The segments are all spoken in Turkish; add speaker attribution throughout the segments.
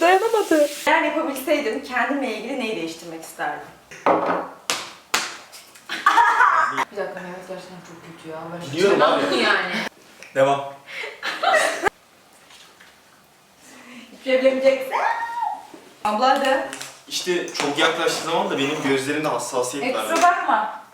Speaker 1: dayanamadı.
Speaker 2: Eğer yapabilseydim kendimle ilgili neyi değiştirmek isterdim?
Speaker 3: Bir dakika, Mehmet gerçekten çok kötü ya. Ben
Speaker 4: Biliyorum abi.
Speaker 3: yani.
Speaker 4: Devam.
Speaker 2: Hiçbir şey bilemeyeceksin. Abla hadi.
Speaker 4: İşte çok yaklaştığı zaman da benim gözlerimde hassasiyet var.
Speaker 2: Kusura bakma.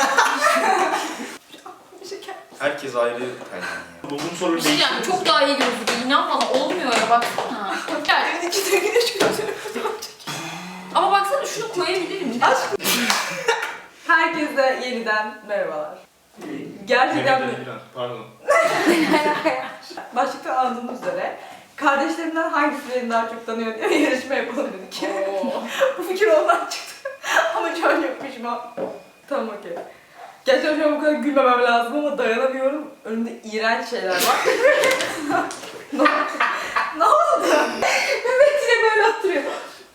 Speaker 4: Herkes ayrı tercih. Bulduğum soruyu
Speaker 3: Bir şey diyeceğim, çok daha iyi gözüküyor. İnan bana, olmuyor ya, baksana. Gel.
Speaker 2: İki de güneş gözünü.
Speaker 3: Ama baksana, şunu koyabilirim.
Speaker 2: Aşkım. Herkese yeniden merhabalar. Gerçekten
Speaker 4: Pardon.
Speaker 2: başlıkta anladığımız üzere kardeşlerimden hangisi beni daha çok tanıyor diye yarışma yapalım dedik. Bu fikir ondan çıktı. Ama şu an çok pişman. Tamam okey. Gerçekten şu an bu kadar gülmemem lazım ama dayanamıyorum. Önümde iğrenç şeyler var. ne oldu? Mehmet yine böyle oturuyor.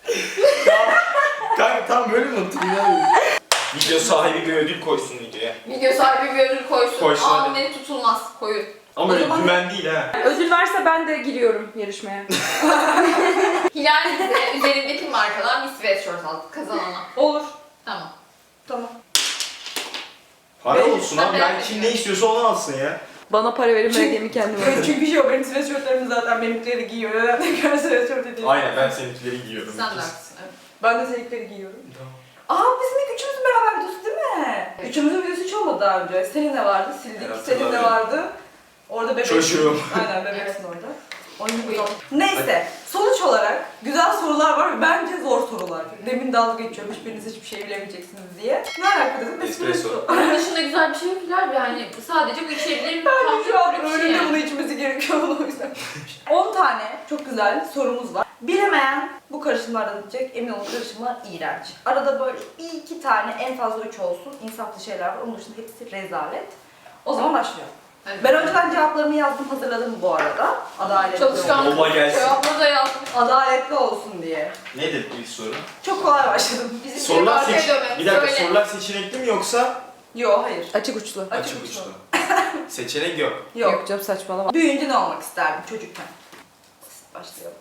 Speaker 4: Kanka tam böyle mi oturuyor? Video sahibi bir ödül koysun videoya.
Speaker 3: Video sahibi bir ödül koysun.
Speaker 4: Koysun hadi.
Speaker 3: Beni tutulmaz, koyun.
Speaker 4: Ama öyle dümen değil ha.
Speaker 1: Ödül varsa ben de giriyorum yarışmaya.
Speaker 3: Hilal bize üzerindeki markadan bir sweatshirt aldı kazanana.
Speaker 2: Olur.
Speaker 3: Tamam.
Speaker 2: Tamam.
Speaker 4: Para olsun abi.
Speaker 3: Ben
Speaker 4: Ben kim ne istiyorsa onu alsın ya.
Speaker 1: Bana para verin, ben hediyemi kendim
Speaker 2: Evet,
Speaker 1: alırım.
Speaker 2: çünkü şey o benim sweatshirtlerim zaten benimkileri giyiyor. Neden tekrar sweatshirt ediyorsun?
Speaker 4: Aynen ben seninkileri giyiyorum.
Speaker 3: Sen de haklısın. Evet.
Speaker 2: Ben de seninkileri giyiyorum.
Speaker 4: Tamam.
Speaker 2: Bizim ilk üçümüzün beraber videosu değil mi?
Speaker 3: Evet.
Speaker 2: Üçümüzün videosu hiç olmadı daha önce. Senin de vardı, sildik.
Speaker 4: Evet,
Speaker 2: Senin de
Speaker 4: hatırladım.
Speaker 2: vardı. Orada bebek.
Speaker 4: Çocuğum.
Speaker 2: Aynen bebeksin orada. Neyse, sonuç olarak güzel sorular var ve bence zor sorular. Demin dalga geçiyorum, hiçbiriniz hiçbir şey bilemeyeceksiniz diye. Ne alaka dedim?
Speaker 4: Espresso.
Speaker 3: Bunun dışında güzel bir şey yok Hilal. Yani sadece bu içebilir mi?
Speaker 2: Bence şu an
Speaker 3: bir şey
Speaker 2: önümde
Speaker 3: yani.
Speaker 2: bunu içmesi gerekiyor o yüzden. 10 tane çok güzel sorumuz var. Bilemeyen bu karışımlardan içecek, emin olun karışımlar iğrenç. Arada böyle bir iki tane, en fazla 3 olsun insaflı şeyler var. Onun dışında hepsi rezalet. O zaman başlıyorum.
Speaker 3: Hadi.
Speaker 2: Ben önceden cevaplarımı yazdım, hazırladım bu arada. Adaletli
Speaker 3: Çalışkan
Speaker 2: olsun.
Speaker 4: Kolay gelsin.
Speaker 3: cevapları da yazmış.
Speaker 2: Adaletli olsun diye.
Speaker 4: Nedir ilk soru?
Speaker 2: Çok kolay başladım.
Speaker 3: Bizim
Speaker 4: Sorular
Speaker 3: arkaya
Speaker 4: seç...
Speaker 3: dönmemiz
Speaker 4: Bir dakika
Speaker 3: öyle.
Speaker 4: sorular seçenekli mi yoksa
Speaker 2: Yok, hayır.
Speaker 1: Açık uçlu.
Speaker 2: Açık
Speaker 4: açık
Speaker 2: uçlu.
Speaker 4: uçlu? Seçenek yok.
Speaker 2: Yok.
Speaker 1: canım, saçmalama.
Speaker 2: Büyüyünce ne olmak isterdim çocukken? Başlayalım.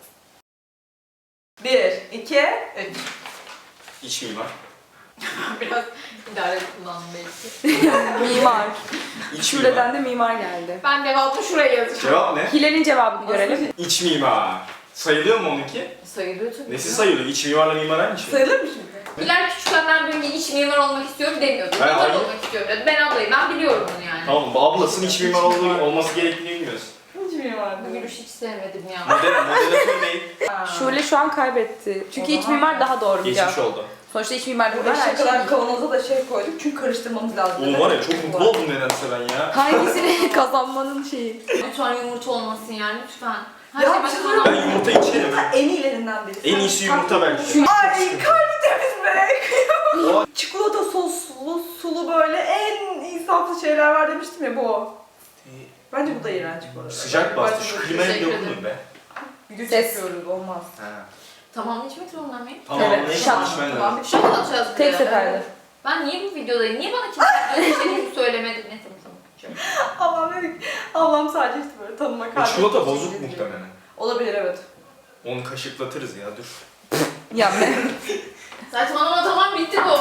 Speaker 2: 1, 2, 3.
Speaker 4: İç mimar.
Speaker 3: Biraz idare kullandım belki.
Speaker 1: Mimar.
Speaker 4: İç mimar.
Speaker 1: Şuradan da mimar geldi.
Speaker 3: Ben devamlı şuraya yazacağım.
Speaker 4: Cevap ne?
Speaker 1: Hilal'in cevabını görelim.
Speaker 4: İç mimar. Sayılıyor mu onunki?
Speaker 3: Sayılıyor tabii.
Speaker 4: Nesi sayılıyor? İç mimarla mimar aynı şey.
Speaker 2: Sayılır mı şimdi?
Speaker 3: Hilal küçükken ben böyle iç mimar olmak istiyorum demiyordu.
Speaker 4: Ben
Speaker 3: Mimar
Speaker 4: aynı-
Speaker 3: olmak istiyorum dedi. Ben ablayım, ben biliyorum bunu yani.
Speaker 4: Tamam mı? Ablasının iç mimar olması gerektiğini bilmiyorsun.
Speaker 2: Hiç bilmiyorum.
Speaker 3: Bu gülüşü hiç sevmedim ya.
Speaker 4: Moderatör değil.
Speaker 1: Şule şu an kaybetti. Çünkü
Speaker 2: O
Speaker 1: iç
Speaker 2: zaman
Speaker 1: mimar daha doğru bir
Speaker 4: Geçmiş
Speaker 1: cevap.
Speaker 4: oldu.
Speaker 1: Sonuçta iç mimar
Speaker 2: Burada
Speaker 1: her şey
Speaker 2: şakadan
Speaker 1: değil.
Speaker 2: kavanoza da şey koyduk çünkü karıştırmamız lazım.
Speaker 4: Oğlum var ya çok mutlu oldum nedense ben ya.
Speaker 1: Hangisini kazanmanın şeyi?
Speaker 3: Lütfen yumurta olmasın yani, lütfen. Her
Speaker 2: Ya
Speaker 3: şey
Speaker 2: bir şey
Speaker 3: başına
Speaker 4: Ben yumurta içerim.
Speaker 2: Yumurta en iyilerinden biri.
Speaker 4: En iyisi yumurta belki.
Speaker 2: Ay kalbi temiz be.
Speaker 4: O
Speaker 2: Çikolata soslu, sulu böyle en insaflı şeyler var demiştim ya bu o. Bence bu da iğrenç bu arada.
Speaker 4: sıcak bastı. Şu klimaya bir
Speaker 3: Teşekkür
Speaker 4: dokunmayın be.
Speaker 2: Video
Speaker 1: Ses.
Speaker 2: çekiyoruz olmaz.
Speaker 4: Ha.
Speaker 3: Tamam, içmek zorunda mıyım?
Speaker 4: Tamam
Speaker 1: Evet,
Speaker 4: neyse
Speaker 1: şak.
Speaker 4: içmen
Speaker 2: Tamam
Speaker 4: lazım.
Speaker 2: bir
Speaker 3: Şaka atacağız bir
Speaker 1: Tek
Speaker 3: de.
Speaker 1: seferde.
Speaker 3: Ben niye bu videodayım? Niye bana kimse istediğimi söylemedi? Ne tamam.
Speaker 2: Ablam dedik. Ablam sadece işte böyle tanıma
Speaker 4: O
Speaker 2: kalbi.
Speaker 4: çikolata bozuk muhtemelen.
Speaker 2: Olabilir evet.
Speaker 4: Onu kaşıklatırız ya dur.
Speaker 1: Ya ben...
Speaker 3: Saçmalama, tamam bitti bu.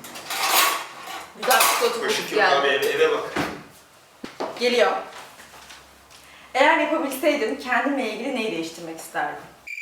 Speaker 3: Güzel çikolata
Speaker 4: Kaşık
Speaker 3: kokusu
Speaker 4: yok abi
Speaker 3: geldi.
Speaker 4: eve bak.
Speaker 2: Geliyor. Eğer yapabilseydim kendimle ilgili neyi değiştirmek isterdim?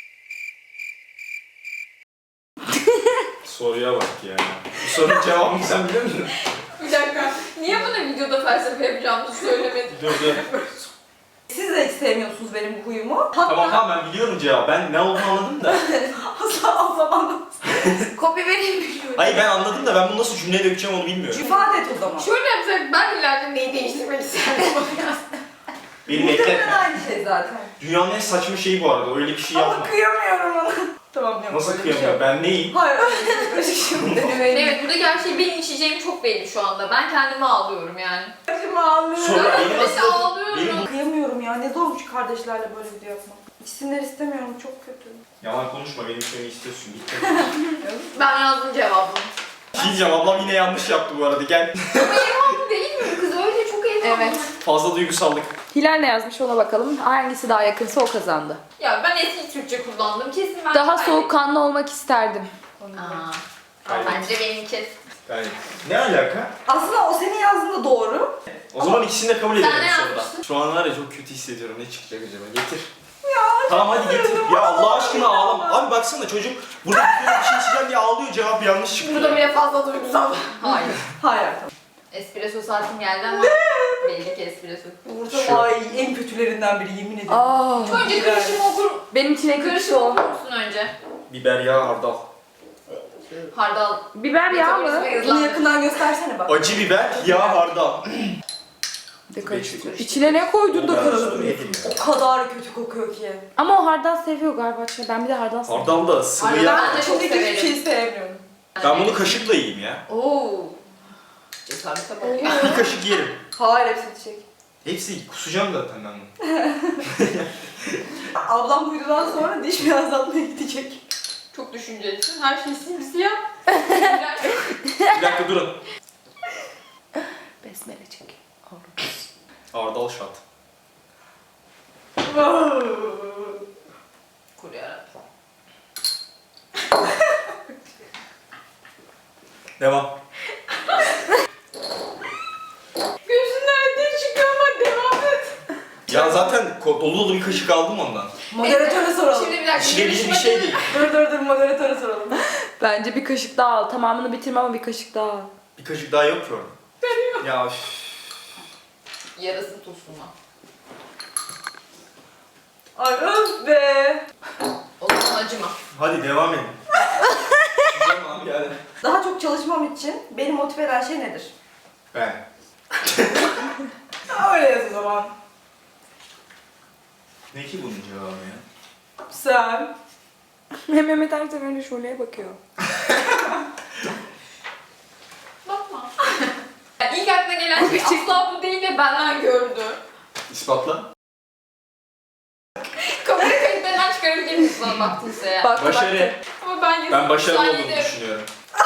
Speaker 4: Soruya bak ya. Bu sorunun cevabını sen biliyor musun?
Speaker 3: Bir dakika. Niye bana videoda felsefe yapacağımızı söylemedin?
Speaker 4: Dur dur.
Speaker 2: Siz de hiç sevmiyorsunuz benim bu huyumu. Hatta
Speaker 4: Tamam ben biliyorum cevabı. Ben ne olduğunu anladım da.
Speaker 2: asla o zaman
Speaker 3: Kopya vereyim mi şöyle?
Speaker 4: Hayır ben anladım da ben bunu nasıl cümleye dökeceğim onu bilmiyorum.
Speaker 2: ifade et o zaman.
Speaker 3: Şöyle yapsak ben ileride neyi değiştirmek isterdim?
Speaker 4: Beni
Speaker 2: Muhtemelen
Speaker 4: bekletme.
Speaker 2: aynı şey zaten.
Speaker 4: Dünyanın en saçma şeyi bu arada. Öyle bir şey
Speaker 2: Ama
Speaker 4: yapma.
Speaker 2: kıyamıyorum ona. Tamam yok.
Speaker 4: Nasıl
Speaker 2: öyle bir şey
Speaker 4: kıyamıyor?
Speaker 2: yok.
Speaker 4: Ben neyim?
Speaker 2: Hayır öyle bir şey şimdi.
Speaker 3: Evet, buradaki her şey benim içeceğim çok belli şu anda. Ben kendimi ağlıyorum yani.
Speaker 2: Başımı ağlıyorum.
Speaker 4: Sonra benim
Speaker 3: Nefes
Speaker 4: aslında...
Speaker 3: ağlıyorum.
Speaker 4: Benim
Speaker 2: Kıyamıyorum ya. Ne zormuş kardeşlerle böyle video yapmak. İçsinler istemiyorum. Çok kötü.
Speaker 4: Yalan konuşma benim seni istiyorsun. Git.
Speaker 3: Ben yazdım cevabını.
Speaker 4: Bir şey diyeceğim ablam yine yanlış yaptı bu arada. Gel.
Speaker 3: Ama evhamlı değil mi bu kız? Öyle çok evhamlı.
Speaker 1: Evet.
Speaker 4: Fazla duygusallık.
Speaker 1: Hilal ne yazmış ona bakalım. Hangisi daha yakınsa o kazandı.
Speaker 3: Ya ben eski Türkçe kullandım. Kesin ben
Speaker 1: Daha
Speaker 3: kaybettim.
Speaker 1: soğukkanlı olmak isterdim.
Speaker 3: Aa,
Speaker 4: Kaybettim.
Speaker 3: bence benimki.
Speaker 4: Yani ne alaka?
Speaker 2: Aslında o senin yazdığında doğru.
Speaker 4: O zaman ikisini de kabul edelim
Speaker 3: Sen ne
Speaker 4: sonunda.
Speaker 3: yapmıştın?
Speaker 4: Şu an var ya çok kötü hissediyorum. Ne çıkacak acaba? Getir. Tamam hadi getir. Ya Allah aşkına ağlama. Abi baksana çocuk burada bir şey içeceğim diye ağlıyor, cevap yanlış çıktı.
Speaker 3: Burada bile fazla duygusal. Hayır.
Speaker 2: Hayır.
Speaker 3: Espresso saatim geldi ama belli ki espresso.
Speaker 2: Burada ay en kötülerinden biri yemin ederim.
Speaker 1: Aa,
Speaker 3: Önce karışımı okur.
Speaker 1: benim için en kötüsü
Speaker 3: Karışımı
Speaker 1: o.
Speaker 3: okur musun önce?
Speaker 4: Biber yağı hardal.
Speaker 3: Hardal.
Speaker 1: Biber yağı mı?
Speaker 3: Metabolizma
Speaker 2: Bunu
Speaker 3: hızlandı.
Speaker 2: yakından göstersene bak.
Speaker 4: Acı biber, yağ hardal.
Speaker 1: Bir de karıştır. İçine ne koydun da karıştırıyorsun?
Speaker 2: O kadar kötü kokuyor ki.
Speaker 1: Ama o hardal seviyor galiba. Ben bir de hardal seviyorum.
Speaker 4: Hardal da sıvı
Speaker 3: Hardal-
Speaker 4: yağ.
Speaker 3: Ben de çok
Speaker 2: Şimdi hiçbir
Speaker 3: severim.
Speaker 2: şeyi sevmiyorum.
Speaker 4: Ben bunu kaşıkla yiyeyim ya.
Speaker 3: Oo. Cesarete bak ya.
Speaker 4: Bir kaşık yerim.
Speaker 2: Hayır hepsi içecek.
Speaker 4: Hepsi kusacağım zaten ben bunu.
Speaker 2: Ablam uydudan sonra diş beyazlatmaya gidecek.
Speaker 3: Çok düşüncelisin. Her şey simsiyah.
Speaker 4: Bir dakika durun.
Speaker 1: Besmele çek.
Speaker 4: Hardal şat.
Speaker 3: Kur yarabbim.
Speaker 4: Devam.
Speaker 3: Gözünden ne çıkıyor ama devam et.
Speaker 4: Ya zaten dolu dolu bir kaşık aldım ondan.
Speaker 2: Moderatöre soralım.
Speaker 3: Şimdi bir dakika.
Speaker 4: İşlevli bir şey değil.
Speaker 2: Dur moderatöre soralım.
Speaker 1: Bence bir kaşık daha al. Tamamını bitirme ama bir kaşık daha al.
Speaker 4: Bir kaşık daha yok ki orada. Ya üf.
Speaker 3: Yarasın tuzuna.
Speaker 2: Ay öf be.
Speaker 3: O zaman acıma.
Speaker 4: Hadi devam edin. Güzel abi yani.
Speaker 2: Daha çok çalışmam için beni motive eden şey nedir?
Speaker 4: Ben.
Speaker 2: Öyle yaz o zaman.
Speaker 4: Ne ki bunun cevabı ya?
Speaker 2: Sen.
Speaker 1: Mehmet her seferinde Şule'ye bakıyor.
Speaker 3: Bakma. Yani ilk aklına gelen şey asla bu değil ve benden gördü.
Speaker 4: İspatla.
Speaker 3: Kamera kayıtlarından çıkarabilir misin bana baktıysa ya?
Speaker 1: Bak,
Speaker 4: Başarı.
Speaker 3: Ama ben yazıp
Speaker 4: Ben başarılı olduğumu
Speaker 3: saniyede
Speaker 4: düşünüyorum.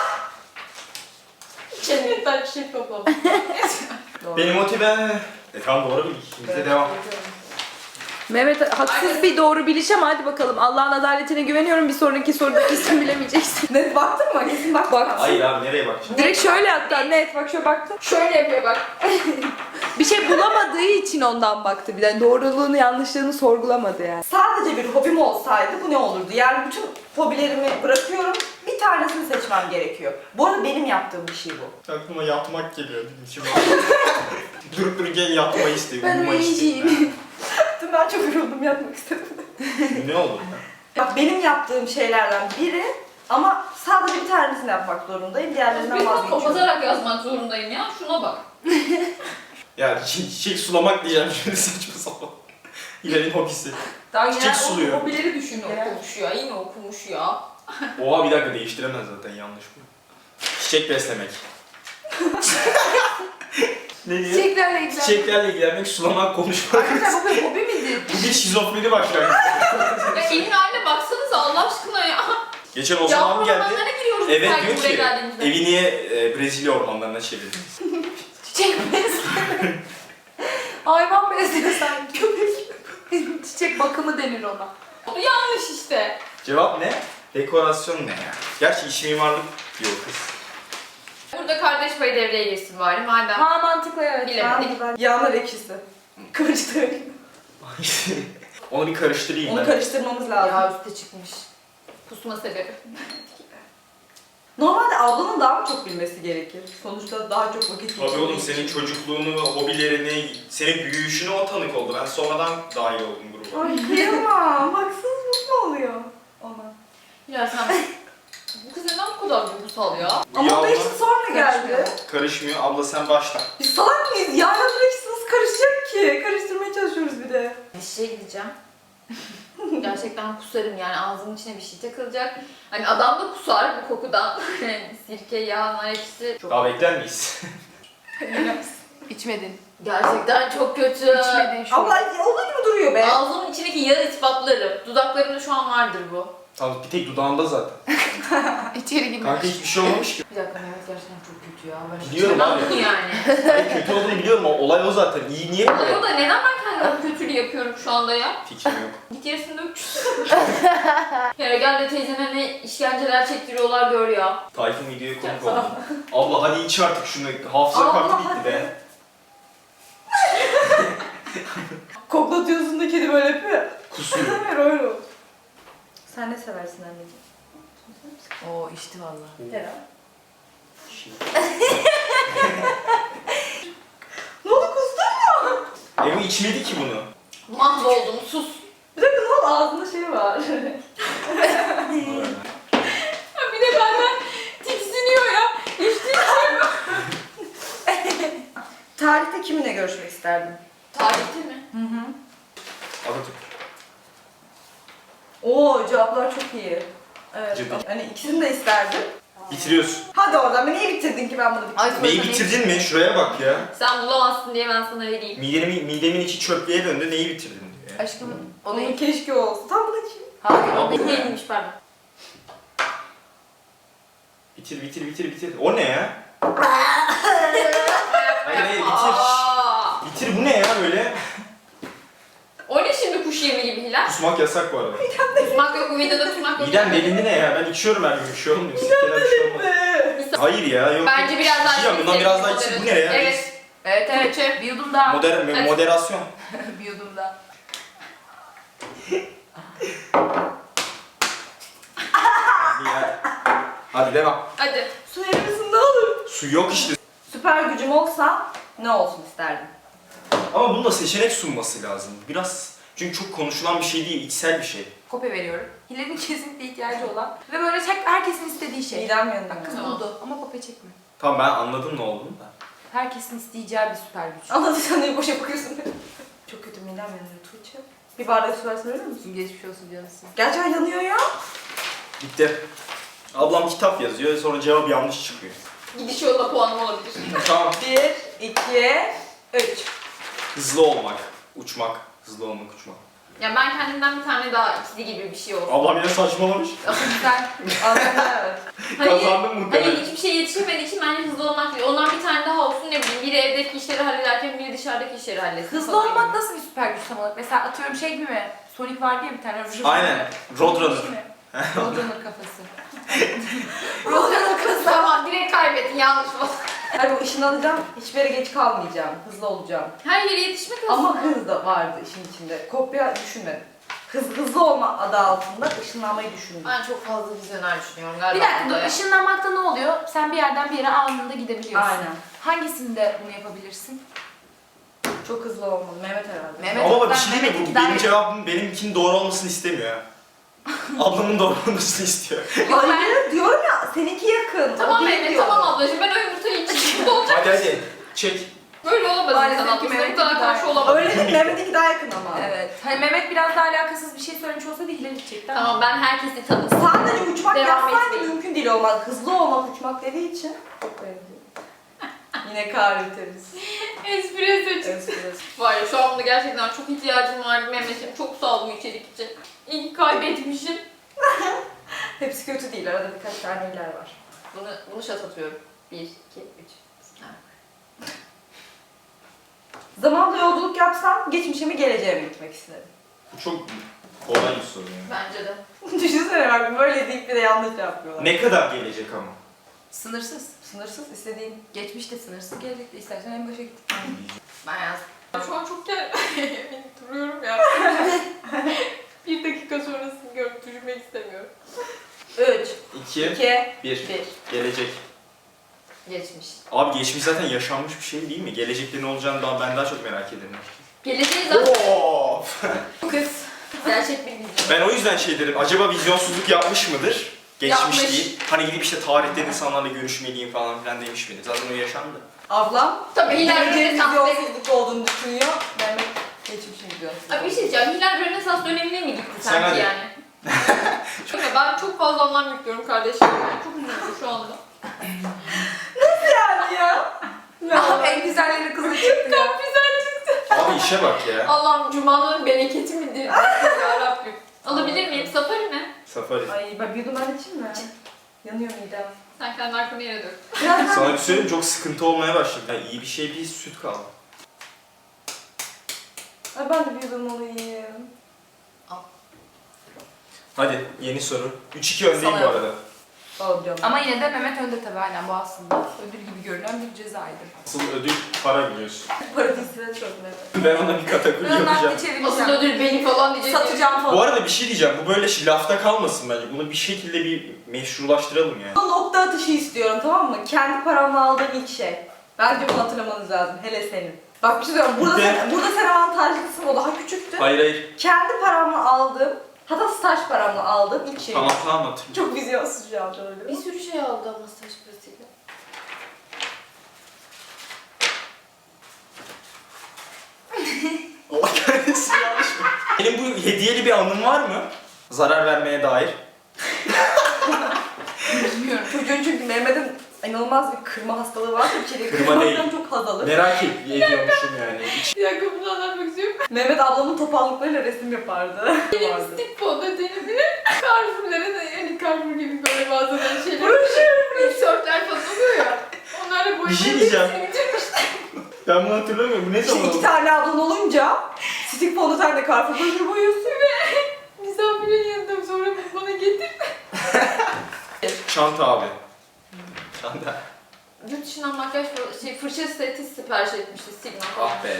Speaker 3: cennetten çiçek topladım.
Speaker 4: Beni motive... Tamam doğru bildik. Şimdi de devam.
Speaker 1: Mehmet haksız bir doğru biliş ama hadi bakalım. Allah'ın adaletine güveniyorum. Bir sonraki soruda kesin bilemeyeceksin.
Speaker 2: Net baktın mı? Kesin baktın
Speaker 1: Bak.
Speaker 2: mı?
Speaker 4: Hayır abi nereye bakacağım?
Speaker 1: Direkt şöyle hatta net bak şöyle baktı.
Speaker 3: Şöyle yapıyor bak.
Speaker 1: Bir şey bulamadığı için ondan baktı bir de. Yani doğruluğunu yanlışlığını sorgulamadı yani.
Speaker 2: Sadece bir hobim olsaydı bu ne olurdu? Yani bütün hobilerimi bırakıyorum, bir tanesini seçmem gerekiyor. Bu arada benim yaptığım bir şey bu.
Speaker 4: Aklıma yatmak geliyor. İçime. Durup dururken yatmayı istiyorum.
Speaker 1: Ben
Speaker 4: uyumayı istiyorum.
Speaker 2: Dün ben çok yoruldum, yatmak istedim.
Speaker 4: Ne olur ya?
Speaker 2: Bak benim yaptığım şeylerden biri ama sadece bir tanesini yapmak zorundayım, diğerlerinden
Speaker 3: Bir bak
Speaker 2: vazgeçiyorum.
Speaker 3: kapatarak yazmak zorundayım ya. Şuna bak.
Speaker 4: Ya çiçek sulamak diyeceğim şimdi saçma sapan. Hilal'in hobisi.
Speaker 3: Daha
Speaker 4: Çiçek
Speaker 3: genel
Speaker 4: suluyor.
Speaker 3: hobileri düşün okumuş ya. İyi mi okumuş ya?
Speaker 4: Oha bir dakika değiştiremez zaten yanlış bu. Çiçek beslemek. Ne diyor?
Speaker 1: Çiçeklerle ilgilen.
Speaker 4: Çiçeklerle ilgilenmek, sulamak, konuşmak.
Speaker 3: Arkadaşlar bu bir hobi midir?
Speaker 4: Bu bir şizofreni başlangıç.
Speaker 3: Ya evin haline baksanıza Allah aşkına ya.
Speaker 4: Geçen Ozan
Speaker 3: Yağmur
Speaker 4: abi geldi.
Speaker 3: ormanlarına giriyoruz
Speaker 4: Evet
Speaker 3: sanki
Speaker 4: diyor
Speaker 3: buraya
Speaker 4: ki
Speaker 3: geldiğimizde.
Speaker 4: evi niye Brezilya ormanlarına çevirdiniz?
Speaker 1: Çiçek besle. Hayvan besliyor sanki. Köpek. Çiçek bakımı denir ona.
Speaker 3: Bu yanlış işte.
Speaker 4: Cevap ne? Dekorasyon ne ya? Gerçi iş mimarlık diyor kız.
Speaker 3: Burada kardeş payı devreye girsin bari madem.
Speaker 1: Ha mantıklı evet.
Speaker 3: Bilemedik.
Speaker 2: Yağlar ekşisi. Kıvırcık.
Speaker 4: Onu bir karıştırayım
Speaker 2: Onu
Speaker 4: ben.
Speaker 2: karıştırmamız lazım.
Speaker 3: Ya üstte çıkmış. Kusma sebebi.
Speaker 2: Normalde ablanın daha mı çok bilmesi gerekir? Sonuçta daha çok vakit
Speaker 4: Tabii oğlum
Speaker 2: geçirdiği
Speaker 4: senin
Speaker 2: için.
Speaker 4: çocukluğunu, hobilerini, senin büyüyüşüne o tanık oldu. Ben sonradan dahil oldum gruba.
Speaker 2: Ay kıyamam. Haksızlık mı oluyor ona?
Speaker 3: Ya sen bu kız neden bu kadar duygusal ya?
Speaker 4: Bu
Speaker 2: Ama o da
Speaker 4: yağma
Speaker 2: işte sonra geldi.
Speaker 4: karışmıyor. Abla sen başla.
Speaker 2: Biz salak mıyız? Yağla ekşisi nasıl karışacak ki? Karıştırmaya çalışıyoruz bir de.
Speaker 3: Bir şeye gideceğim. Gerçekten kusarım yani ağzımın içine bir şey takılacak. Hani adam da kusar bu kokudan. Sirke, yağ, nar ekşisi. Çok...
Speaker 4: Daha bekler miyiz?
Speaker 1: İçmedin.
Speaker 3: Gerçekten çok kötü.
Speaker 1: İçmedin şu an.
Speaker 2: Abla olduğu gibi duruyor be.
Speaker 3: Ağzımın içindeki yağı ispatlarım. Dudaklarımda şu an vardır bu.
Speaker 4: Tamam bir tek dudağında zaten.
Speaker 1: İçeri girmiş.
Speaker 4: Kanka hiçbir şey olmamış ki.
Speaker 3: Bir dakika Mehmet gerçekten çok kötü ya. Ben
Speaker 4: Biliyorum
Speaker 3: istemem
Speaker 4: abi.
Speaker 3: bunu yani.
Speaker 4: Hayır, kötü olduğunu biliyorum ama olay o zaten. İyi niye
Speaker 3: Olay
Speaker 4: böyle?
Speaker 3: o da neden ben kendime kötülüğü yapıyorum şu anda ya?
Speaker 4: Fikrim yok.
Speaker 3: Git yarısında öpüşsün. Ya gel de teyzeme ne işkenceler çektiriyorlar gör ya.
Speaker 4: Tayfun videoya konuk oldu. Abla hadi iç artık şunu. Hafıza
Speaker 2: Abla,
Speaker 4: kartı bitti
Speaker 2: hadi.
Speaker 4: be.
Speaker 2: Koklatıyorsun da kedi böyle yapıyor.
Speaker 4: Kusuyor.
Speaker 2: Hayır öyle oldu. Sen ne seversin anneciğim?
Speaker 1: Oo içti vallahi.
Speaker 2: Herhalde. Ne oldu kustun mu?
Speaker 4: Emi içmedi ki bunu.
Speaker 3: Mahvoldum sus.
Speaker 2: Bir dakika ne oldu ağzında şey var.
Speaker 3: Bir de benden tiksiniyor ya. İçtiği şey var.
Speaker 2: Tarihte kiminle görüşmek isterdin?
Speaker 3: Tarihte mi?
Speaker 4: Atatürk.
Speaker 2: Oo cevaplar çok iyi. Evet.
Speaker 4: Ciddi.
Speaker 2: Hani ikisini de isterdim.
Speaker 4: Bitiriyorsun.
Speaker 2: Hadi oradan beni niye bitirdin ki ben bunu bitirdim?
Speaker 3: Ay,
Speaker 4: Neyi bitirdin mi? Şuraya bak ya.
Speaker 3: Sen bulamazsın diye ben sana vereyim.
Speaker 4: Midemin içi çöplüğe döndü. Neyi bitirdin diyor ya.
Speaker 1: Aşkım o
Speaker 2: Onun
Speaker 1: ne?
Speaker 2: keşke olsun. Tam bunu kim?
Speaker 1: Hayır o
Speaker 4: Abla.
Speaker 1: ne?
Speaker 3: Neymiş pardon.
Speaker 4: Bitir. O ne ya? Hayır bitir.
Speaker 3: Aa!
Speaker 4: Bitir bu ne ya böyle?
Speaker 3: O ne şimdi kuş yemi gibi Hilal?
Speaker 4: Kusmak yasak bu arada.
Speaker 3: Kusmak yok bu videoda kusmak yok.
Speaker 4: Midem delindi ne ya? Ben içiyorum her gün bir şey olmuyor. Sikkeler bir şey olmaz. Hayır ya yok.
Speaker 3: Bence biraz daha
Speaker 4: İçeceğim, bundan
Speaker 3: içelim,
Speaker 4: biraz daha
Speaker 3: moderat.
Speaker 4: içsin. Bu ne ya?
Speaker 3: Evet.
Speaker 1: Evet
Speaker 3: Tuğçe.
Speaker 1: bir yudum daha.
Speaker 3: Hadi.
Speaker 4: Moderasyon.
Speaker 1: Bir yudum daha.
Speaker 4: Hadi devam.
Speaker 3: Hadi.
Speaker 2: Su verir misin ne olur?
Speaker 4: Su yok işte.
Speaker 2: Süper gücüm olsa ne olsun isterdin?
Speaker 4: Ama bunda seçenek sunması lazım. Biraz çünkü çok konuşulan bir şey değil, içsel bir şey.
Speaker 1: Kopya veriyorum. Hilal'in kesinlikle ihtiyacı olan ve böyle herkesin istediği şey.
Speaker 2: Midem yanıyor.
Speaker 1: Bak kız
Speaker 3: Tamam.
Speaker 1: buldu ama kopya çekme.
Speaker 4: Tamam ben anladım ne olduğunu da.
Speaker 1: Herkesin isteyeceği bir süper güç.
Speaker 2: Anladıysan niye boşa bakıyorsun? Çok kötü midem yanıyor Tuğçe. Bir bardak su versene öyle misin?
Speaker 1: Geçmiş olsun canısı.
Speaker 2: Gerçekten yanıyor ya.
Speaker 4: Bitti. Ablam kitap yazıyor sonra cevap yanlış çıkıyor.
Speaker 3: Gidiş yolda puanım olabilir.
Speaker 4: Tamam.
Speaker 2: 1, 2, 3.
Speaker 4: Hızlı olmak, uçmak. Hızlı olmak, uçmak.
Speaker 3: Ya ben kendimden bir tane daha ikili gibi bir şey olsun.
Speaker 4: Ablam yine saçmalamış.
Speaker 1: Asıl sen
Speaker 2: Aslında evet.
Speaker 4: Kazandım muhtemelen.
Speaker 3: Hayır hiçbir şey yetişemediği için bence hızlı olmak değil. Ondan bir tane daha olsun ne bileyim. Biri evdeki işleri hallederken biri dışarıdaki işleri halletsin.
Speaker 1: hızlı
Speaker 3: falan
Speaker 1: olmak
Speaker 3: gibi.
Speaker 1: nasıl bir süper güç tam olarak? Mesela atıyorum şey gibi mi? Sonic var diye bir tane.
Speaker 4: Aynen. Roadrunner.
Speaker 1: Roadrunner kafası. Roadrunner kafası.
Speaker 3: Tamam direkt kaybettin yanlış mı?
Speaker 2: Hani bu ışını alacağım, hiçbir yere geç kalmayacağım, hızlı olacağım.
Speaker 3: Her yere yetişmek aslında.
Speaker 2: Ama hız da vardı işin içinde. Kopya düşünmedim. Hızlı olma adı altında ışınlanmayı düşündüm.
Speaker 3: Ben çok fazla vizyoner düşünüyorum
Speaker 1: Bir
Speaker 3: galiba.
Speaker 1: dakika
Speaker 3: burada
Speaker 1: dur.
Speaker 3: ya.
Speaker 1: Işınlanmakta ne oluyor? Sen bir yerden bir yere anında gidebiliyorsun.
Speaker 2: Aynen.
Speaker 1: Hangisinde bunu yapabilirsin?
Speaker 2: Çok hızlı olmalı. Mehmet herhalde.
Speaker 1: Mehmet.
Speaker 4: Ama bak bir
Speaker 1: Ben
Speaker 4: şey diyeyim mi?
Speaker 1: Mehmet'inki
Speaker 4: Bu
Speaker 1: daha
Speaker 4: benim
Speaker 1: iyi.
Speaker 4: cevabım benimkinin doğru olmasını istemiyor ha. Ablamın doğru olmasını istiyor.
Speaker 1: Yok,
Speaker 2: Hayır diyorum ya seninki yakın.
Speaker 3: Tamam
Speaker 2: o değil
Speaker 3: Mehmet
Speaker 2: diyorum.
Speaker 3: tamam ablacığım ben o yumurtayı içeyim. Bu olacak.
Speaker 4: Hadi çek.
Speaker 3: Böyle olamaz
Speaker 1: Maalesef
Speaker 3: insan
Speaker 1: ki
Speaker 3: ablası. Bu
Speaker 1: Mehmet'in
Speaker 3: kadar
Speaker 1: daha-
Speaker 3: karşı olamaz.
Speaker 2: Öyle değil, Mehmet'inki daha yakın ama.
Speaker 1: Evet. Hani Mehmet biraz daha alakasız bir şey söylemiş olsaydı Hilal içecekti ama.
Speaker 3: Tamam ben herkesi tanısın.
Speaker 2: Sadece uçmak
Speaker 3: Devam
Speaker 2: yazsaydı
Speaker 3: etmeyin.
Speaker 2: mümkün değil olmaz. Hızlı olmak uçmak dediği için. Çok benziyor. Yine kahretiriz.
Speaker 3: Espresso çıktı.
Speaker 2: Espresso.
Speaker 3: Var ya şu an buna gerçekten çok ihtiyacım vardı Mehmet'im. Çok sağ ol bu içerik için. İyi ki kaybetmişim.
Speaker 2: Hepsi kötü değil. Arada birkaç tane iyiler var.
Speaker 3: Bunu şat atıyorum. 1, 2, 3.
Speaker 2: Zamanda yolculuk yapsam geçmişe mi geleceğe mi gitmek isterim?
Speaker 4: Bu çok kolay bir soru ya.
Speaker 3: Bence de.
Speaker 2: Düşünsene bak böyle deyip bir de yanlış yapıyorlar.
Speaker 4: Ne kadar gelecek ama?
Speaker 1: Sınırsız.
Speaker 2: Sınırsız istediğin.
Speaker 1: Geçmişte sınırsız, gelecekte istersen en başa git.
Speaker 3: Ben yazdım. Şu an çok duruyorum ya. Bir dakika sonrasını görüp düşünmek istemiyorum.
Speaker 2: 3,
Speaker 4: 2,
Speaker 2: 2,
Speaker 4: 1.
Speaker 2: 1.
Speaker 4: Gelecek.
Speaker 3: Geçmiş.
Speaker 4: Abi geçmiş zaten yaşanmış bir şey değil mi? Gelecekte ne olacağını ben daha çok merak ederim.
Speaker 3: Geleceği zaten
Speaker 4: Oo!
Speaker 3: kız. Gerçek bir vizyon.
Speaker 4: Ben o yüzden şey derim, acaba vizyonsuzluk yapmış mıdır? Geçmiş
Speaker 3: Yapmış.
Speaker 4: değil. Hani gidip işte tarihte insanlarla görüşmeliyim falan filan demiş miydi? Zaten o yaşandı.
Speaker 2: Ablam
Speaker 3: Tabii Hilal
Speaker 2: geleceğin
Speaker 3: Rönesans.
Speaker 2: vizyonsuzluk olduğunu düşünüyor. Mehmet geçmişin vizyonsuzluk.
Speaker 3: Abi bir şey diyeceğim. Hilal Rönesans dönemine mi gitti
Speaker 4: Sen
Speaker 3: sanki
Speaker 4: hadi.
Speaker 3: yani? Ben çok fazla anlam yüklüyorum kardeşim. Ben çok üzüldüm şu anda.
Speaker 2: Yani ya.
Speaker 1: Ah, en güzelleri kızı çıktı ya.
Speaker 4: Abi işe bak ya.
Speaker 3: Allah'ım Cuma'nın bereketi midir? Ya Rabbim. Alabilir miyim? Safari mi?
Speaker 4: Safari.
Speaker 2: Ay ben bir yudum ben içeyim mi? Yanıyor midem.
Speaker 3: Sen kendi arkanı yere dök.
Speaker 2: Biraz
Speaker 4: Sana bir söyleyeyim, çok sıkıntı olmaya başladı. Yani iyi bir şey bir süt kaldı.
Speaker 2: Ay ben de bir yudum alayım.
Speaker 4: Hadi yeni soru. 3-2 öndeyim
Speaker 1: Sana
Speaker 4: bu arada.
Speaker 2: Alacağım.
Speaker 1: Ama yine de Mehmet önde tabii, aynen bu aslında ödül gibi görünen bir cezaydı.
Speaker 4: Asıl ödül para biliyorsun.
Speaker 2: Paradisine çok net.
Speaker 4: Ben ona bir kategori
Speaker 1: Ben
Speaker 4: yapacağım.
Speaker 1: nakli
Speaker 3: Asıl
Speaker 1: çevireceğim.
Speaker 3: ödül benim falan diyecek.
Speaker 1: Satacağım
Speaker 4: Bu
Speaker 1: falan.
Speaker 4: arada bir şey diyeceğim. Bu böyle lafta kalmasın bence. Bunu bir şekilde bir meşrulaştıralım yani.
Speaker 2: Nokta atışı istiyorum, tamam mı? Kendi paramla aldığım ilk şey. Bence bunu hatırlamanız lazım. Hele senin. Bak bir şey söyleyeyim. Burada,
Speaker 4: Bir de-
Speaker 2: burada sen avantajlısın, o daha küçüktü.
Speaker 4: Hayır.
Speaker 2: Kendi paramla aldığım, hatta staj paramla aldığım ilk şey.
Speaker 4: Tamam hatırlıyorum.
Speaker 2: Çok vizyonsuz şu an öyle.
Speaker 3: Bir sürü şey aldı ama staj parasıyla.
Speaker 4: Allah kahretsin, yanlış mı? Benim bu hediyeli bir anım var mı? Zarar vermeye dair.
Speaker 3: Bilmiyorum.
Speaker 2: Çocuğun çünkü Mehmet'in inanılmaz bir kırma hastalığı var. Bir kere
Speaker 4: Kırma değil.
Speaker 2: kırmaktan çok haz alır.
Speaker 4: Merak ediyormuşum yani.
Speaker 3: Bir dakika bunu anlatmak istiyorum.
Speaker 2: Mehmet ablamın topallıklarıyla resim yapardı. Vardı.
Speaker 3: Lipstick fonda denizini Carrefour'lara da yani Carrefour gibi böyle bazen şeyler. Tişörtler falan oluyor ya. Onlarla boyamayı
Speaker 4: Bir şey diyeceğim.
Speaker 3: bitirmiş.
Speaker 4: Ben bunu hatırlamıyorum. Bu ne
Speaker 2: İşte
Speaker 4: zaman
Speaker 2: iki
Speaker 4: oldu?
Speaker 2: tane ablan olunca stick fondötenle Carrefour'da boyuyorsun.
Speaker 3: Misafirin yanında sonra bunu bana getir.
Speaker 4: Çanta abi. Çanta.
Speaker 3: Yurt dışından makyaj fırça seti sipariş etmişti Sigma falan.
Speaker 4: Ah be.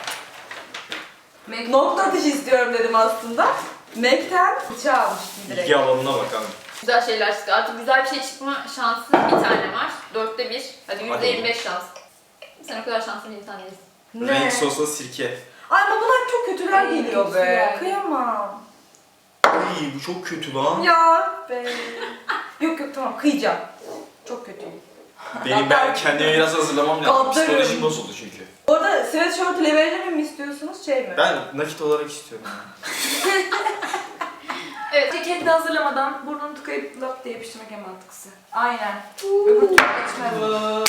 Speaker 2: Nokta atışı istiyorum dedim aslında. MAC'ten fırça almıştım direkt.
Speaker 4: İlgi alanına bak abi.
Speaker 3: Güzel şeyler çıktı. Artık güzel bir şey çıkma şansı bir tane var. 4'te 1. Hadi %25 şans. Sen o kadar şanslı bir insan değilsin.
Speaker 4: Renk sosla sirke.
Speaker 2: Ay ama bunlar çok kötüler
Speaker 3: Ay,
Speaker 2: geliyor be.
Speaker 3: güzel.
Speaker 2: Kıyamam.
Speaker 4: Ay bu çok kötü lan.
Speaker 2: Ya be. Yok yok tamam kıyacağım. Çok kötüyüm.
Speaker 4: Ben kendime biraz hazırlamam lazım.
Speaker 2: Kaldırırım.
Speaker 4: Psikolojim bozuldu çünkü.
Speaker 2: Orada sweatshirt ile verelim mi istiyorsunuz şey mi?
Speaker 4: Ben nakit olarak istiyorum.
Speaker 1: Evet, ceketini hazırlamadan burnunu tıkayıp lap diye yapıştırmak en mantıklısı. Aynen. Öbür türlü geçmez.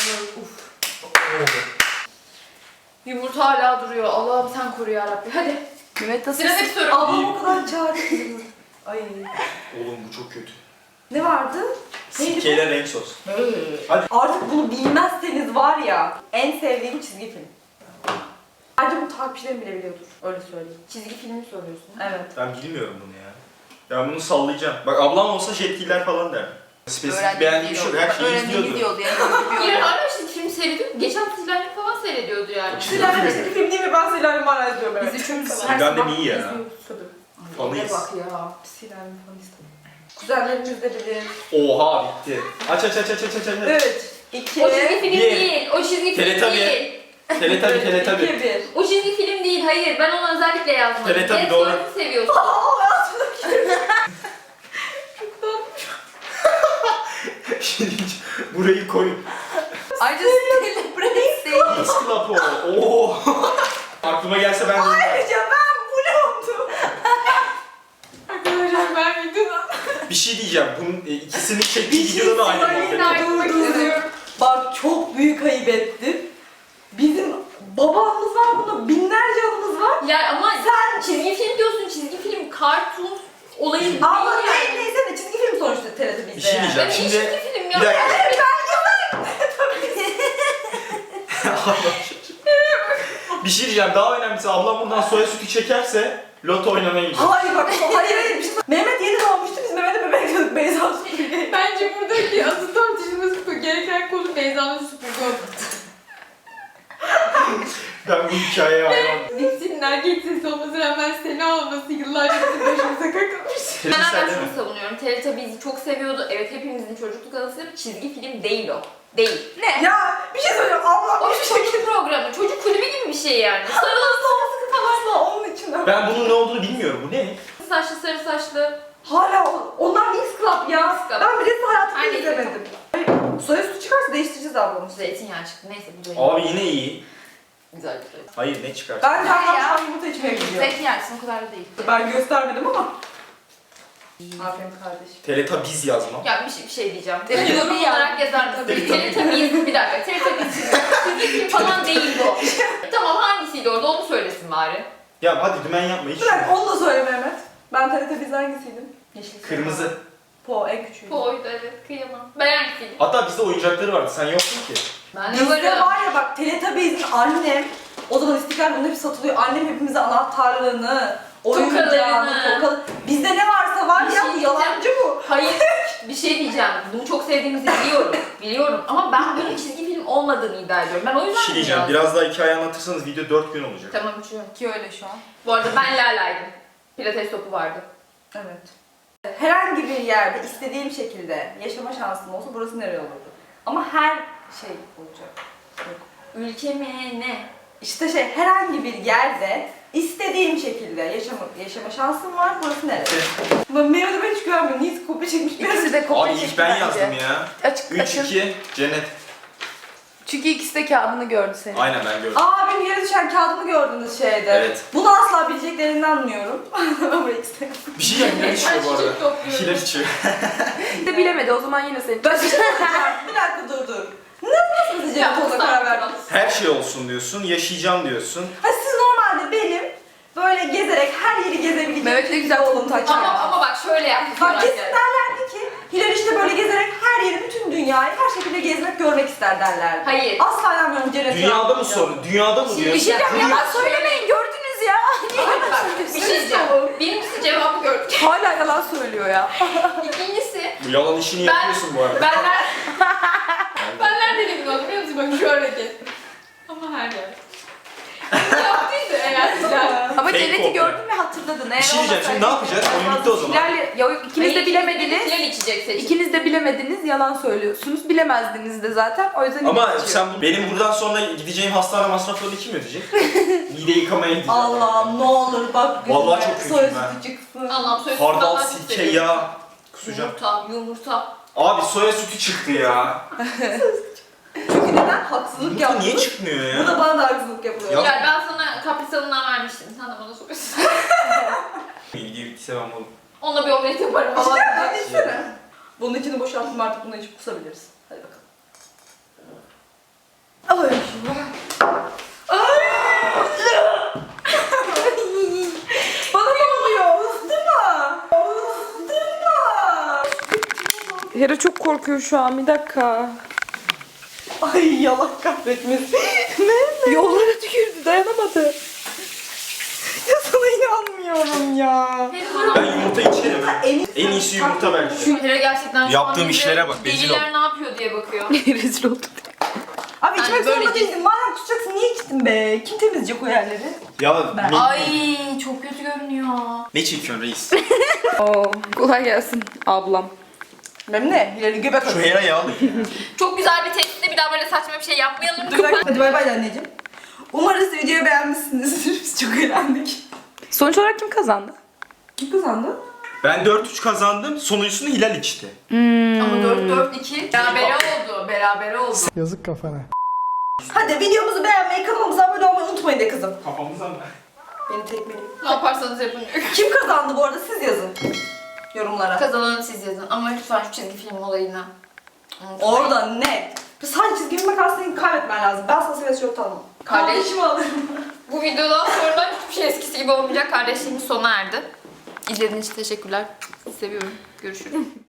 Speaker 3: Yumurta hala duruyor. Allah'ım sen koru yarabbim. Hadi.
Speaker 1: Mehmet nasıl?
Speaker 3: Sıradaki soru.
Speaker 2: Ablam o kadar çağırıyor. Ay.
Speaker 4: Oğlum bu çok kötü.
Speaker 2: Ne vardı? Neydi bu?
Speaker 4: Sirkeyle renk sos.
Speaker 2: Artık bunu bilmezseniz var ya en sevdiğim çizgi film. Bence bu takipçilerim bile biliyordur. Öyle söyleyeyim.
Speaker 3: Çizgi filmi soruyorsun.
Speaker 2: Evet.
Speaker 4: Ben bilmiyorum bunu ya. Ben bunu sallayacağım. Bak ablam olsa jetgiller falan der. Spesifik beğendiği bir şey yok. Her şeyi izliyordu.
Speaker 1: gidiyordu yani.
Speaker 3: İlhan hala çizgi film seyrediyor. Geçen Silal'in falan seyrediyordu yani.
Speaker 2: Silahlı çizgi film değil mi? Ben Silahlı hala izliyorum evet.
Speaker 1: Biz üçümüz
Speaker 4: Silahlı iyi ya.
Speaker 2: İzliyoruz.
Speaker 4: Fanıyız.
Speaker 3: bak ya.
Speaker 2: Silahlı falan izliyorum. Kuzenlerimiz de bilir.
Speaker 4: Oha bitti. Aç.
Speaker 2: 3, 2,
Speaker 3: O çizgi film
Speaker 4: Bir.
Speaker 3: değil. O çizgi film
Speaker 4: Teletabi.
Speaker 3: değil.
Speaker 4: Teletabi.
Speaker 2: 2, 1.
Speaker 3: O çizgi film değil. Hayır. Ben onu özellikle yazmadım.
Speaker 4: Teletabi,
Speaker 3: Red
Speaker 4: doğru.
Speaker 3: Sonras'ı seviyorsun.
Speaker 4: Burayı koyun.
Speaker 1: Ayrıca celebrate değil.
Speaker 4: Isklap o. Oo. Aklıma gelse ben de.
Speaker 2: Ayrıca ben bu oldum.
Speaker 3: Arkadaşlar ben videoda.
Speaker 4: Bir şey diyeceğim. Bunun ikisinin çektiği videoda da aynı muhabbet.
Speaker 3: ayrılmak istiyorum.
Speaker 2: Bak çok büyük ayıp ettim. Bizim babamız var bunda binlerce anımız var.
Speaker 3: Ya ama sen çizgi film diyorsun. Çizgi film, kartun olayı
Speaker 2: Ama
Speaker 3: değil yani.
Speaker 2: neyse de çizgi film sonuçta TRT bizde
Speaker 4: Bir şey
Speaker 2: yani.
Speaker 4: diyeceğim.
Speaker 3: Ben
Speaker 4: Şimdi-
Speaker 3: çizgi film ya.
Speaker 4: Bir dakika. Bir şey diyeceğim. Daha önemlisi ablam bundan soya sütü çekerse loto oynamaya gidiyor.
Speaker 2: Hayır bak hayır bir şey. Mehmet yeni doğmuştu biz Mehmet'e bebek diyorduk Beyza süpürge.
Speaker 3: Bence buradaki asıl tartışılması gereken konu Beyza'nın süpürge olması.
Speaker 4: Ben bu hikayeye hayran.
Speaker 3: Dipsinin erkek sesi olmasına rağmen Sena olması yıllarca bizim başımıza kakılmış. Ben
Speaker 4: Sen
Speaker 3: hala
Speaker 4: de
Speaker 3: şunu
Speaker 4: mi?
Speaker 3: savunuyorum. Teletubbies'i çok seviyordu. Evet hepimizin çocukluk anısı. Çizgi film değil o. Değil. Ne?
Speaker 2: Ya bir şey söyleyeyim ablam
Speaker 3: O
Speaker 2: bir
Speaker 3: bir
Speaker 2: şey
Speaker 3: çocuk programı. Çocuk kulübü gibi bir şey yani. Sarılı
Speaker 2: asla onun için de.
Speaker 4: Ben bunun ne olduğunu bilmiyorum. Bu ne?
Speaker 3: saçlı, sarı saçlı.
Speaker 2: Hala onlar Mix Club ya.
Speaker 3: Mix Club.
Speaker 2: Ben bileti hayatımda
Speaker 3: Aynı
Speaker 2: izlemedim. Soya sütü çıkarsa değiştireceğiz ablamı.
Speaker 3: Zeytinyağı çıktı. Neyse bu da
Speaker 4: Abi yine iyi.
Speaker 3: güzel bir şey.
Speaker 4: Hayır ne çıkar?
Speaker 2: Ben de
Speaker 1: Ya.
Speaker 2: akşam yumurta içmeye gidiyorum.
Speaker 1: Zeytinyağlısın, o kadar da değil.
Speaker 2: Ben göstermedim ama. Aferin kardeşim.
Speaker 4: Teletabiz yazmam.
Speaker 3: Ya bir şey diyeceğim.
Speaker 1: Teletubbies
Speaker 3: Yorum
Speaker 1: ya.
Speaker 3: olarak yazar mısın? Teletubbies bir dakika. Teletubbies çizgi film falan değil bu. Tamam hangisiydi orada onu söylesin bari.
Speaker 4: Ya hadi dümen yapma hiç.
Speaker 2: Bırak onu da söyle Mehmet. Ben TRT biz hangisiydim? Yeşil.
Speaker 4: Kırmızı.
Speaker 2: Po en küçüğü.
Speaker 3: Po'ydu evet kıyamam. Ben hangisiydim?
Speaker 4: Hatta bizde oyuncakları vardı. Sen yoktun ki.
Speaker 3: Ben de
Speaker 2: Bizde
Speaker 3: varım.
Speaker 2: var ya bak Teletubbies'in annem, o zaman İstiklal bunun hepsi satılıyor. Annem hepimize anahtarlığını, oyuncağını,
Speaker 3: Tokalarını.
Speaker 2: tokalı. Bizde ne varsa var
Speaker 3: Bir
Speaker 2: ya,
Speaker 3: şey
Speaker 2: bu yalancı bu.
Speaker 3: Hayır bir şey diyeceğim. Bunu çok sevdiğimizi biliyorum. Biliyorum ama ben bunun çizgi film olmadığını iddia ediyorum. Ben o
Speaker 4: Bir
Speaker 3: yüzden
Speaker 4: şey diyeceğim.
Speaker 3: biraz-
Speaker 4: Biraz daha hikaye anlatırsanız video 4 gün olacak.
Speaker 3: Tamam uçuyorum.
Speaker 2: Ki öyle şu an.
Speaker 3: Bu arada ben Lala'ydım. Pilates topu vardı.
Speaker 2: Evet. Herhangi bir yerde istediğim şekilde yaşama şansım olsa burası nereye olurdu? Ama her şey olacak. Yok.
Speaker 3: Ülke mi ne?
Speaker 2: İşte herhangi bir yerde istediğim şekilde yaşama şansım var. Burası neresi? Meyve de ben hiç görmüyorum. Niye kopya çekmiş?
Speaker 1: İkisi de kopya
Speaker 4: Abi ilk
Speaker 1: çekti
Speaker 4: ben
Speaker 1: bence.
Speaker 4: yazdım ya.
Speaker 1: Açık
Speaker 4: 3-2 cennet.
Speaker 1: Çünkü ikisi de kağıdını gördü senin.
Speaker 4: Aynen ben gördüm.
Speaker 2: Aa benim yere düşen kağıdımı gördünüz şeyde.
Speaker 4: Evet.
Speaker 2: Bunu asla bileceklerinden anlıyorum. Ama ikisi de.
Speaker 4: Bir şey diyeceğim. Hilal içiyor bu arada.
Speaker 3: çiçek topluyorum.
Speaker 4: Hilal içiyor.
Speaker 1: de bilemedi o zaman yine senin.
Speaker 2: Ben bir şey söyleyeceğim. Bir dakika dur. Nasıl
Speaker 3: Ya,
Speaker 2: seçecek ona karar verdiniz?
Speaker 4: Her şey olsun diyorsun. Yaşayacağım diyorsun.
Speaker 2: Ha siz normalde benim böyle gezerek her yeri gezebileceğim.
Speaker 1: Mehmet ne güzel kolunu takıyor.
Speaker 3: Ama bak şöyle yaptık.
Speaker 2: Bak kesin derlerdi ki Hilal işte böyle gezerek her yeri, bütün dünyayı her şekilde gezmek, görmek ister derlerdi.
Speaker 3: Hayır.
Speaker 2: Asla inanmıyorum cennete.
Speaker 4: Dünyada mı soru? Dünyada mı
Speaker 3: Şimdi
Speaker 4: diyorsun?
Speaker 1: Bir şey diyeceğim
Speaker 3: Dünya-
Speaker 1: yalan söylemeyin gördünüz ya.
Speaker 3: Bak, bir şey diyeceğim. Birincisi cevabı gördük.
Speaker 1: Hala yalan söylüyor ya.
Speaker 3: İkincisi
Speaker 4: Bu yalan işini
Speaker 3: Ben-
Speaker 4: yapıyorsun bu arada.
Speaker 3: ben nereden emin oldum biliyor musun? Bak şu hareket. Ama her yer. Yaptıydı eğer Hilal.
Speaker 1: Ama
Speaker 4: Fake
Speaker 1: cenneti
Speaker 4: kopya.
Speaker 1: gördün ve hatırladın.
Speaker 4: Bir şey diyeceğim. Şimdi ne yapacağız? Oyun bitti o zaman.
Speaker 1: Ya ikiniz de bilemediniz.
Speaker 3: Hilal içecek seçim.
Speaker 1: İkiniz de bilemediniz, yalan söylüyorsunuz. Bilemezdiniz de zaten. O yüzden
Speaker 4: Ama
Speaker 1: Hilal içiyor.
Speaker 4: sen benim buradan sonra gideceğim hastane masraflarını kim ödeyecek? Mide yıkamaya gideceğim.
Speaker 2: Allah'ım ne olur bak.
Speaker 4: Vallahi çok kötüyüm
Speaker 2: soy
Speaker 4: ben.
Speaker 2: sütü çıksın.
Speaker 3: Allah'ım söz
Speaker 4: Hardal, sirke, yağ. Kusacağım.
Speaker 3: Yumurta.
Speaker 4: Abi soya sütü çıktı ya.
Speaker 2: Çünkü neden? Haksızlık
Speaker 4: Yumurta
Speaker 2: yaptınız.
Speaker 4: niye çıkmıyor ya?
Speaker 2: Bu da bana da haksızlık yapıyor.
Speaker 4: Ya-
Speaker 3: Hilal ben sana kaprisanından vermiştim. Sen de bana soruyorsun.
Speaker 4: Video bittiyse ben oğlum.
Speaker 3: Onunla bir omlet yaparım.
Speaker 2: İşte hadi içsene. Bunun içini boşalttım artık bunu içip kusabiliriz. Hadi bakalım. Ay. Bana ne oluyor? Isıtma. Isıtma.
Speaker 1: Hera çok korkuyor şu an. Bir dakika.
Speaker 2: Ay yalan kahretmesin. Ne?
Speaker 1: Yollara tükürdü. Dayanamadı.
Speaker 2: Ya sana inanmıyorum ya.
Speaker 4: Ben yumurta içerim.
Speaker 2: En
Speaker 4: En iyisi yumurta belki.
Speaker 3: Şu Hera gerçekten şu
Speaker 4: Yaptığım
Speaker 3: an bize
Speaker 4: işlere bak, rezil
Speaker 3: deliler ne yapıyor diye bakıyor.
Speaker 1: Rezil oldum.
Speaker 2: Abi içmek
Speaker 3: Yani böyle
Speaker 2: zorunda
Speaker 3: değil.
Speaker 2: değildin. Madem tutacaksın niye içtin be? Kim temizleyecek o yerleri?
Speaker 4: Ya
Speaker 2: Ben-
Speaker 4: ne,
Speaker 3: Ay çok kötü görünüyor.
Speaker 4: ne çekiyorsun reis?
Speaker 1: Oo, kolay gelsin ablam.
Speaker 2: Benim ne? Hilal'in göbek
Speaker 4: Şu
Speaker 2: atıyor.
Speaker 4: Hera yağlı.
Speaker 3: Çok güzel bir testte bir daha böyle saçma bir şey yapmayalım.
Speaker 2: Hadi bay bay de anneciğim. Umarız videoyu beğenmişsinizdir. Biz çok eğlendik.
Speaker 1: Sonuç olarak kim kazandı?
Speaker 2: Kim kazandı?
Speaker 4: Ben 4-3 kazandım. Sonuncusunu Hilal içti.
Speaker 3: Ama 4-4-2 berabere oldu. Berabere oldu.
Speaker 5: Yazık kafana.
Speaker 2: Hadi videomuzu beğenmeyi, kanalımıza abone olmayı unutmayın de kızım.
Speaker 4: Kafamızdan mı?
Speaker 2: Beni tekmeleyin.
Speaker 3: Ne yaparsanız yapın.
Speaker 2: Kim kazandı bu arada siz yazın. Yorumlara.
Speaker 3: Kazananı siz yazın. Ama lütfen şu çizgi film olayını unutmayın.
Speaker 2: Orada net. Sadece çizgi film makasını kaybetmen lazım. Ben sana seviyesi çok tanımam.
Speaker 3: Kardeş.
Speaker 2: Kardeşimi alırım.
Speaker 3: Bu videodan sonra hiçbir şey eskisi gibi olmayacak. Kardeşliğimiz sona erdi. İzlediğiniz için teşekkürler. Seviyorum. Görüşürüz.